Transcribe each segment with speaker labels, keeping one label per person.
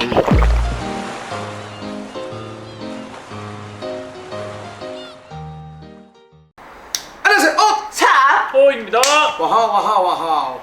Speaker 1: 안녕하세요.
Speaker 2: 호입니다.
Speaker 1: 와하와하와하.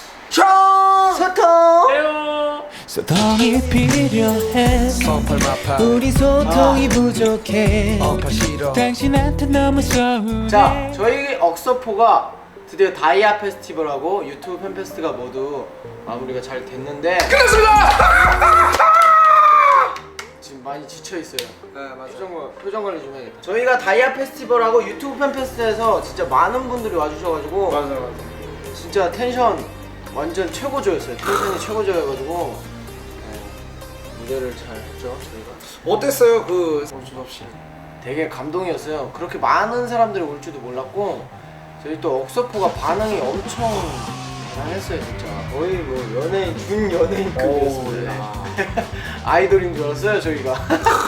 Speaker 1: 소통.
Speaker 2: 해요.
Speaker 3: 소통이 필요해. 우리 소통이 부족해. 당신한테 너무 서운해.
Speaker 4: 자, 저희 억서포가 드디어 다이아 페스티벌하고 유튜브 팬페스트가 모두 마무리가 잘 됐는데
Speaker 1: 끝났습니다.
Speaker 4: 지금 많이 지쳐 있어요.
Speaker 1: 네, 맞아요.
Speaker 4: 표정 관리 좀 해야겠다. 저희가 다이아 페스티벌하고 유튜브 팬페스트에서 진짜 많은 분들이 와주셔가지고
Speaker 1: 맞아요.
Speaker 4: 진짜 텐션 완전 최고조였어요. 텐션이 최고조여가지고 무대를 잘 했죠 저희가.
Speaker 1: 어땠어요? 그 정신없이.
Speaker 4: 되게 감동이었어요. 그렇게 많은 사람들이 올 줄도 몰랐고 저희 또 억서포가 반응이 엄청 대단했어요 진짜. 거의 뭐 연예인 준 연예인급이었습니다. 아이돌인 줄 알았어요 저희가.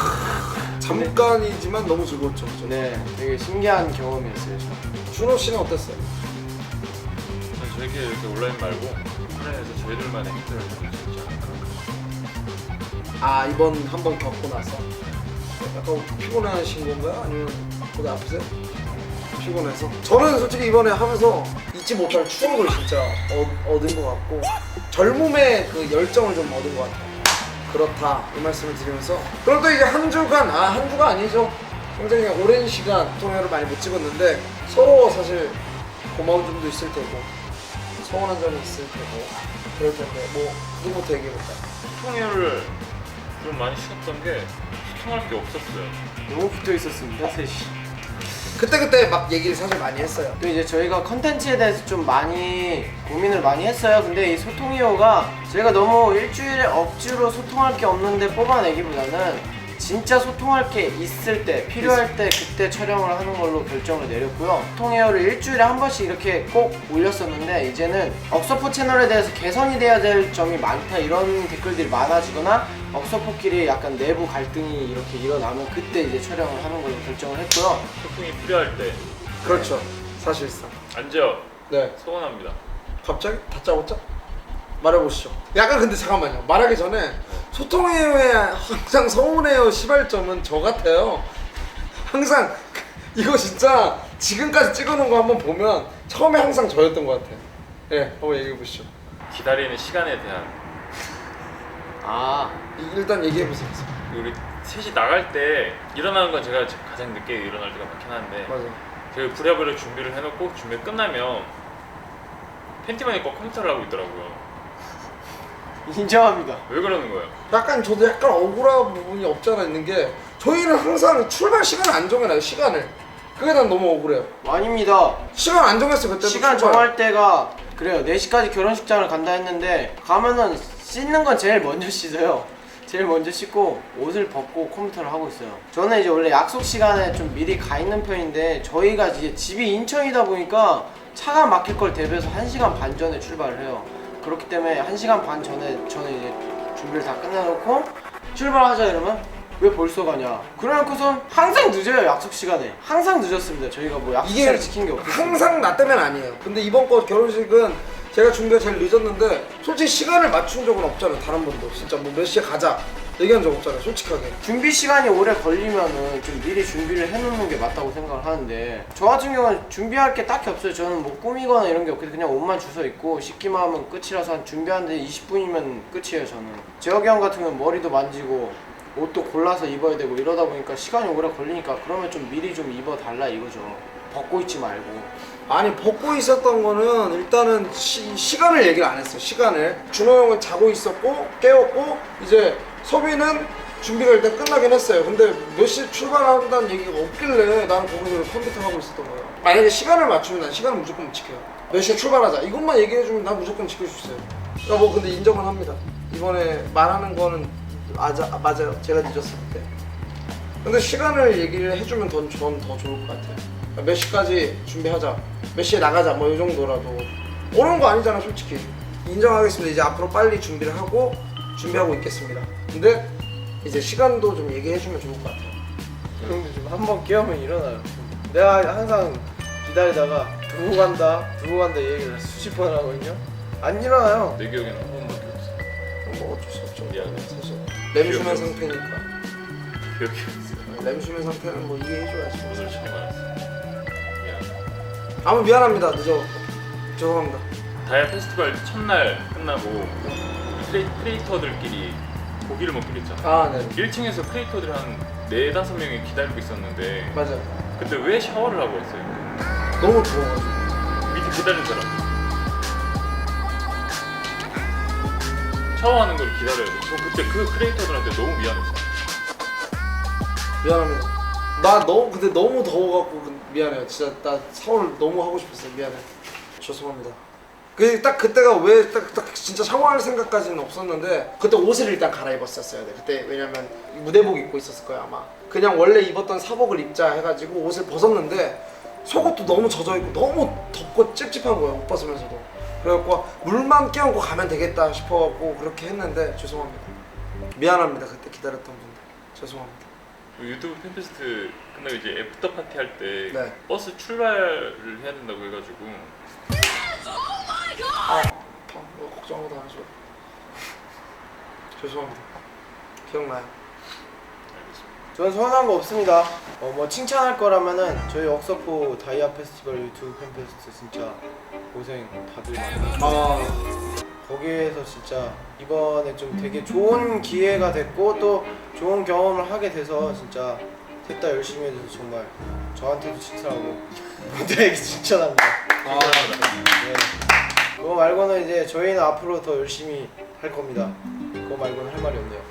Speaker 1: 잠깐이지만 너무 즐거웠죠. 그죠?
Speaker 4: 네, 되게 신기한 경험이었어요.
Speaker 1: 준호 씨는 어땠어요?
Speaker 2: 저희끼리 이렇게 온라인 말고 온라인에서 저희들만의 행사를 해볼 수 있지 않을까.
Speaker 1: 아, 이번 한번 겪고 나서 약간 피곤하신 건가요? 아니면 거기 아프세요? 피곤해서? 저는 솔직히 이번에 하면서 잊지 못할 추억을 진짜 얻은 것 같고 젊음의 그 열정을 좀 얻은 것 같아요. 그렇다 이 말씀을 드리면서 그럼 또 이제 한 주가 아니죠. 굉장히 오랜 시간 통화를 많이 못 찍었는데 서로 사실 고마운 점도 있을 테고 서운한 점이 있을 테고 그럴 텐데 뭐 누구부터 얘기해볼까요?
Speaker 2: 소통회를 좀 많이 쉬었던 게 소통할 게 없었어요.
Speaker 4: 너무 붙어 있었습니다 셋이.
Speaker 1: 그때 막 얘기를 사실 많이 했어요.
Speaker 4: 또 이제 저희가 컨텐츠에 대해서 좀 많이 고민을 많이 했어요. 근데 이 소통이호가 저희가 너무 일주일에 억지로 소통할 게 없는데 뽑아내기보다는 진짜 소통할 게 있을 때 필요할 때 그때 촬영을 하는 걸로 결정을 내렸고요. 소통이호를 일주일에 한 번씩 이렇게 꼭 올렸었는데 이제는 억서포 채널에 대해서 개선이 돼야 될 점이 많다 이런 댓글들이 많아지거나 억서포끼리 약간 내부 갈등이 이렇게 일어나면 그때 이제 촬영을 하는 걸로 결정을 했고요.
Speaker 2: 소통이 필요할 때
Speaker 1: 그렇죠. 사실상.
Speaker 2: 앉아요.
Speaker 1: 네.
Speaker 2: 서운합니다.
Speaker 1: 갑자기 다짜고짜? 말해보시죠. 약간 근데 잠깐만요. 말하기 전에 소통해요에 항상 서운해요 시발점은 저 같아요. 항상 이거 진짜 지금까지 찍어놓은 거 한번 보면 처음에 항상 저였던 것 같아요. 예, 한번 얘기해보시죠.
Speaker 2: 기다리는 시간에 대한
Speaker 1: 일단 얘기해보세요.
Speaker 2: 우리 셋이 나갈 때 일어나는 건 제가 가장 늦게 일어날 때가 많긴 한데
Speaker 1: 맞아요.
Speaker 2: 제가 부랴부랴 준비를 해놓고 준비 끝나면 팬티만 입고 컴퓨터를 하고 있더라고요.
Speaker 4: 인정합니다.
Speaker 2: 왜 그러는 거예요?
Speaker 1: 약간 저도 약간 억울한 부분이 없지 않아 있는 게 저희는 항상 출발 시간을 안 정해놔요. 시간을. 그게 난 너무 억울해요.
Speaker 4: 아닙니다.
Speaker 1: 시간 안 정했어요. 그때도
Speaker 4: 시간
Speaker 1: 출발.
Speaker 4: 정할 때가 그래요. 4시까지 결혼식장을 간다 했는데 가면은 씻는 건 제일 먼저 씻어요. 제일 먼저 씻고 옷을 벗고 컴퓨터를 하고 있어요. 저는 이제 원래 약속 시간에 좀 미리 가 있는 편인데 저희가 이제 집이 인천이다 보니까 차가 막힐 걸 대비해서 1시간 반 전에 출발을 해요. 그렇기 때문에 1시간 반 전에 저는 이제 준비를 다 끝내놓고 출발하자 이러면 왜 벌써 가냐. 그래놓고선 항상 늦어요. 약속 시간에 항상 늦었습니다. 저희가 뭐 약속 시간을 지킨 게 없어요.
Speaker 1: 항상 나 때문 아니에요. 근데 이번 거 결혼식은 제가 준비가 제일 늦었는데 솔직히 시간을 맞춘 적은 없잖아요. 다른 분도 진짜 뭐 몇 시에 가자 얘기한 적 없잖아요. 솔직하게.
Speaker 4: 준비 시간이 오래 걸리면은 좀 미리 준비를 해놓는 게 맞다고 생각을 하는데 저 같은 경우는 준비할 게 딱히 없어요. 저는 뭐 꾸미거나 이런 게 없고 그냥 옷만 주워 입고 씻기만 하면 끝이라서 한 준비하는데 20분이면 끝이에요. 저는 재혁이 형 같은 경우는 머리도 만지고 옷도 골라서 입어야 되고 이러다 보니까 시간이 오래 걸리니까 그러면 좀 미리 좀 입어달라 이거죠. 벗고 있지 말고.
Speaker 1: 아니 벗고 있었던 거는 일단은 시간을 얘기를 안 했어요. 시간을. 준호 형은 자고 있었고 깨웠고 이제 소비는 준비가 일단 끝나긴 했어요. 근데 몇 시에 출발한다는 얘기가 없길래 나는 거기서 컴퓨터 하고 있었던 거예요. 만약에 시간을 맞추면 난 시간을 무조건 지켜요. 몇 시에 출발하자 이것만 얘기해주면 난 무조건 지킬 수 있어요. 야, 뭐 근데 인정은 합니다. 이번에 말하는 거는 맞아요. 제가 늦었을 때. 근데 시간을 얘기를 해주면 전 더 좋을 것 같아요. 몇 시까지 준비하자, 몇 시에 나가자 뭐 이 정도라도 어려운 거 아니잖아 솔직히. 인정하겠습니다. 이제 앞으로 빨리 준비를 하고 준비하고 있겠습니다. 근데 이제 시간도 좀 얘기해주면 좋을 것 같아요.
Speaker 4: 형도 좀 한 번 깨우면 일어나요. 내가 항상 기다리다가 두고 간다 이 얘기를 수십 번 하거든요. 안 일어나요.
Speaker 2: 내 기억에는 한 번밖에 없어요.
Speaker 1: 뭐 어쩔 수 없죠.
Speaker 2: 미안해.
Speaker 1: 사실 램슈맨 상태니까.
Speaker 2: 기억이 없어요.
Speaker 1: 램슈맨 상태는 뭐 이해해줘야지.
Speaker 2: 오늘 처음 알았어. 미안.
Speaker 1: 아무 미안합니다. 늦어. 죄송합니다.
Speaker 2: 다이아 페스티벌 첫날 끝나고 크리에이터들끼리 고기를 먹기로 했잖아.
Speaker 1: 아 네.
Speaker 2: 1층에서 크리에이터들이 한 4-5명이 기다리고 있었는데
Speaker 1: 맞아.
Speaker 2: 근데 왜 샤워를 하고 있어요?
Speaker 1: 너무 더워가지고.
Speaker 2: 밑에 기다린 사람 샤워하는 걸 기다려야 돼. 저 그때 그 크리에이터들한테 너무 미안했어.
Speaker 1: 미안합니다. 나 너무 근데 너무 더워갖고 미안해요. 진짜 나 샤워를 너무 하고 싶었어요. 미안해. 죄송합니다. 딱 그때가 왜 딱 진짜 샤워할 생각까지는 없었는데 그때 옷을 일단 갈아입었었어야 돼. 그때 왜냐면 무대복 입고 있었을 거야 아마. 그냥 원래 입었던 사복을 입자 해가지고 옷을 벗었는데 속옷도 너무 젖어있고 너무 덥고 찝찝한 거야 옷 벗으면서도. 그래갖고 물만 끼얹고 가면 되겠다 싶어갖고 그렇게 했는데 죄송합니다. 미안합니다. 그때 기다렸던 분들 죄송합니다.
Speaker 2: 유튜브 팬페스트 끝나고 이제 애프터 파티 할 때
Speaker 1: 네.
Speaker 2: 버스 출발을 해야 된다고 해가지고
Speaker 1: 뭐 걱정하고 다니죠. 죄송합니다. 기억나요.
Speaker 2: 알겠습니다.
Speaker 4: 저는 서운한 거 없습니다. 뭐 칭찬할 거라면은 저희 억서포 다이아 페스티벌 유튜브 팬페스트 진짜 고생 다들 많이 거기에서 진짜 이번에 좀 되게 좋은 기회가 됐고 또 좋은 경험을 하게 돼서 진짜 셋 다 열심히 해줘서 정말 저한테도 칭찬하고 모두에게 칭찬합니다. 네. 그거 말고는 이제 저희는 앞으로 더 열심히 할 겁니다. 그거 말고는 할 말이 없네요.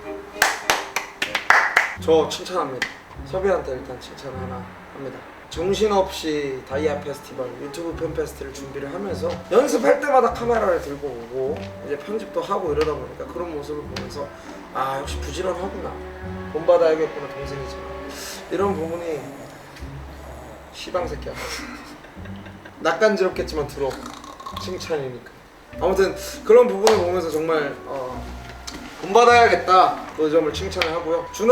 Speaker 1: 저 칭찬합니다. 섭이한테 일단 칭찬 하나 합니다. 정신없이 다이아 페스티벌 유튜브 팬페스트를 준비를 하면서 연습할 때마다 카메라를 들고 오고 이제 편집도 하고 이러다 보니까 그런 모습을 보면서 아 역시 부지런하구나, 본받아야겠구나 동생이지만 이런 부분이 시방새끼야 낯간지럽겠지만 들어 칭찬이니까 아무튼 그런 부분을 보면서 정말 본받아야겠다 그 점을 칭찬을 하고요. 준호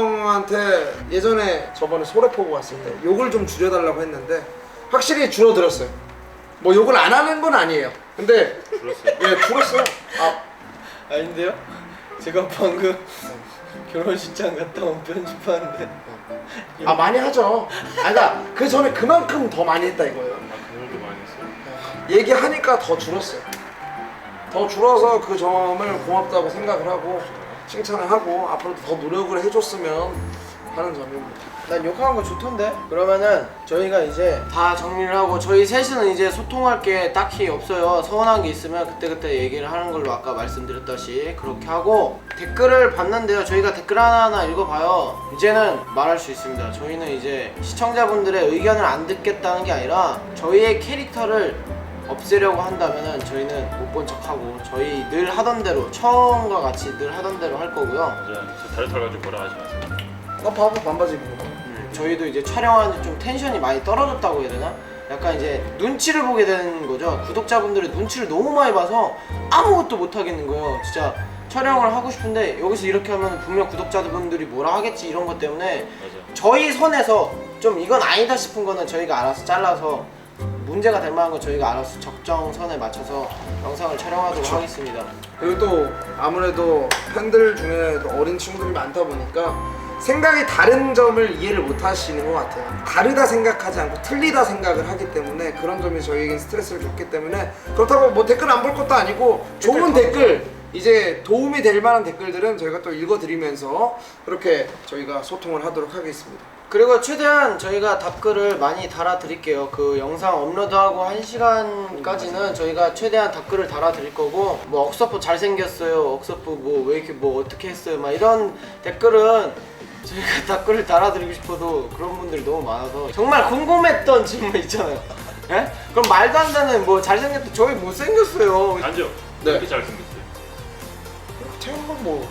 Speaker 1: 형한테 예전에 저번에 소래포구 갔을 때 욕을 좀 줄여달라고 했는데 확실히 줄어들었어요. 뭐 욕을 안 하는 건 아니에요. 근데
Speaker 2: 들었어요?
Speaker 1: 예 줄었어요.
Speaker 4: 아닌데요? 제가 방금 결혼식장 갔다 온 편집하는데
Speaker 1: 많이 하죠. 그러니까 그 전에 그만큼 더 많이 했다 이거예요.
Speaker 2: 그걸도 많이 했어요.
Speaker 1: 얘기하니까 더 줄었어요. 더 줄어서 그 점을 고맙다고 생각을 하고 칭찬을 하고 앞으로도 더 노력을 해줬으면 하는 점입니다.
Speaker 4: 난 욕하는 거 좋던데? 그러면은 저희가 이제 다 정리를 하고 저희 셋은 이제 소통할 게 딱히 없어요. 서운한 게 있으면 그때그때 얘기를 하는 걸로 아까 말씀드렸다시 그렇게 하고 댓글을 봤는데요. 저희가 댓글 하나하나 읽어봐요. 이제는 말할 수 있습니다. 저희는 이제 시청자분들의 의견을 안 듣겠다는 게 아니라 저희의 캐릭터를 없애려고 한다면은 저희는 못 본 척하고 저희 늘 하던 대로 처음과 같이 늘 하던 대로 할 거고요.
Speaker 2: 맞아요. 저 다리 털 가지고 뭐라 하지 마세요.
Speaker 1: 나 바보 반바지 입는 거.
Speaker 4: 저희도 이제 촬영하는데 좀 텐션이 많이 떨어졌다고 해야 되나? 약간 이제 눈치를 보게 되는 거죠. 구독자분들의 눈치를 너무 많이 봐서 아무것도 못 하겠는 거예요. 진짜 촬영을 하고 싶은데 여기서 이렇게 하면 분명 구독자분들이 뭐라 하겠지 이런 것 때문에
Speaker 2: 맞아요.
Speaker 4: 저희 선에서 좀 이건 아니다 싶은 거는 저희가 알아서 잘라서 문제가 될 만한 건 저희가 알아서 적정선에 맞춰서 영상을 촬영하도록 하겠습니다.
Speaker 1: 그리고 또 아무래도 팬들 중에 어린 친구들이 많다 보니까 생각이 다른 점을 이해를 못 하시는 것 같아요. 다르다 생각하지 않고 틀리다 생각을 하기 때문에 그런 점이 저희에겐 스트레스를 줬기 때문에 그렇다고 뭐 댓글 안 볼 것도 아니고 좋은 댓글 이제 도움이 될 만한 댓글들은 저희가 또 읽어드리면서 그렇게 저희가 소통을 하도록 하겠습니다.
Speaker 4: 그리고 최대한 저희가 답글을 많이 달아드릴게요. 그 영상 업로드하고 1시간까지는 저희가 최대한 답글을 달아드릴 거고 뭐 억서포 잘생겼어요, 억서포 뭐 왜 이렇게 뭐 어떻게 했어요 막 이런 댓글은 저희가 답글을 달아드리고 싶어도 그런 분들이 너무 많아서 정말 궁금했던 질문 있잖아요. 예? 그럼 말도 안 되는 뭐 잘생겼다 저희 못생겼어요.
Speaker 2: 아니죠.
Speaker 1: 네.
Speaker 2: 이렇게 잘생겼어요.
Speaker 1: 태연만 뭐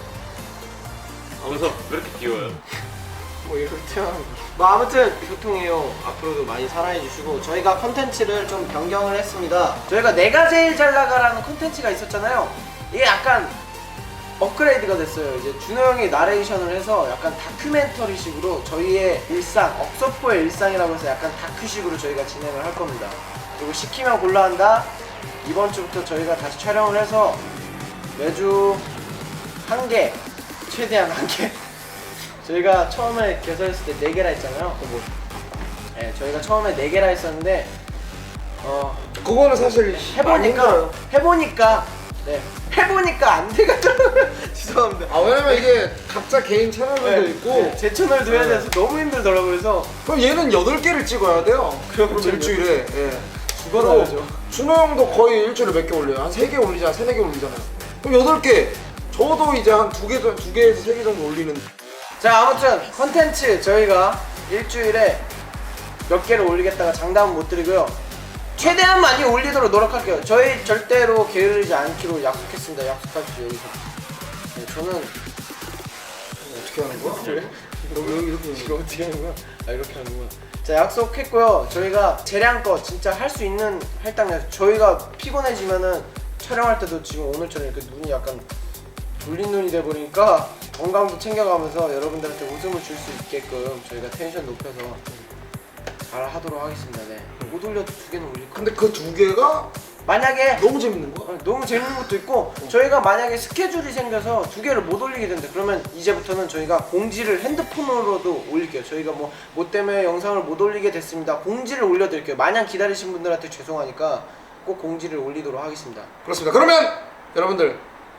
Speaker 2: 그래서 왜 이렇게 귀여워요?
Speaker 4: 뭐 이렇게 태어난 뭐 아무튼 소통해요. 앞으로도 많이 사랑해 주시고 저희가 컨텐츠를 좀 변경을 했습니다. 저희가 내가 제일 잘 나가라는 컨텐츠가 있었잖아요. 이게 약간 업그레이드가 됐어요. 이제 준호 형이 나레이션을 해서 약간 다큐멘터리식으로 저희의 일상, 억서포의 일상이라고 해서 약간 다큐식으로 저희가 진행을 할 겁니다. 그리고 시키면 골라 한다. 이번 주부터 저희가 다시 촬영을 해서 매주 한 개, 최대한 한 개. 저희가 처음에 개설했을 때 4개라 했잖아요. 네, 저희가 처음에 4개라 했었는데
Speaker 1: 그거는 사실 많이 힘들어요.
Speaker 4: 해보니까 안 돼가지고 죄송합니다.
Speaker 1: 아 왜냐면 이게 각자 개인 채널들도 있고
Speaker 4: 네, 제 채널도 해야 돼서 너무 힘들더라고요. 그래서
Speaker 1: 그럼 얘는 8개를 찍어야 돼요.
Speaker 4: 그럼
Speaker 1: 일주일에. 예.
Speaker 4: 죽어나야죠.
Speaker 1: 준호 형도 거의 일주일에 몇 개 올려요? 한 3개 올리잖아, 3-4개 올리잖아요. 그럼 8개. 저도 이제 한 2개에서 3개 정도 올리는.
Speaker 4: 자, 아무튼 컨텐츠 저희가 일주일에 몇 개를 올리겠다가 장담은 못 드리고요. 최대한 많이 올리도록 노력할게요. 저희 절대로 게으르지 않기로 약속했습니다. 약속하시죠 여기서. 네, 저는
Speaker 1: 어떻게 하는 거야?
Speaker 4: 그래?
Speaker 1: 여기 이렇게.
Speaker 4: 이거 어떻게 하는 거야? 아 이렇게 하는구나. 자, 약속했고요. 저희가 재량껏 진짜 할 수 있는 할당량. 저희가 피곤해지면은 촬영할 때도 지금 오늘처럼 이렇게 눈이 약간 졸린 눈이 돼 버리니까 건강도 챙겨가면서 여러분들한테 웃음을 줄 수 있게끔 저희가 텐션 높여서 잘 하도록 하겠습니다. 네. 못 올려도 2개는 올릴 거예요.
Speaker 1: 근데 그 2개가
Speaker 4: 만약에
Speaker 1: 너무 재밌는 거야?
Speaker 4: 너무 재밌는 것도 있고 저희가 만약에 스케줄이 생겨서 2개를 못 올리게 된다 그러면 이제부터는 저희가 공지를 핸드폰으로도 올릴게요. 저희가 뭐 때문에 영상을 못 올리게 됐습니다. 공지를 올려드릴게요. 마냥 기다리신 분들한테 죄송하니까 꼭 공지를 올리도록 하겠습니다.
Speaker 1: 그렇습니다. 그러면 여러분들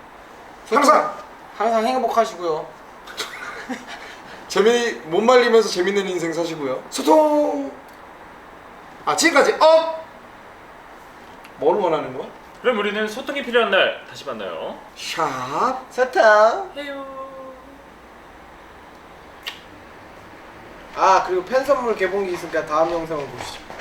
Speaker 4: 항상 행복하시고요.
Speaker 1: 못 말리면서 재밌는 인생 사시고요. 소통. 지금까지 뭘 원하는 거야?
Speaker 2: 그럼 우리는 소통이 필요한 날 다시 만나요.
Speaker 1: 샵.
Speaker 4: 사탕.
Speaker 2: 해요.
Speaker 4: 그리고 팬 선물 개봉기 있으니까 다음 영상을 보시죠.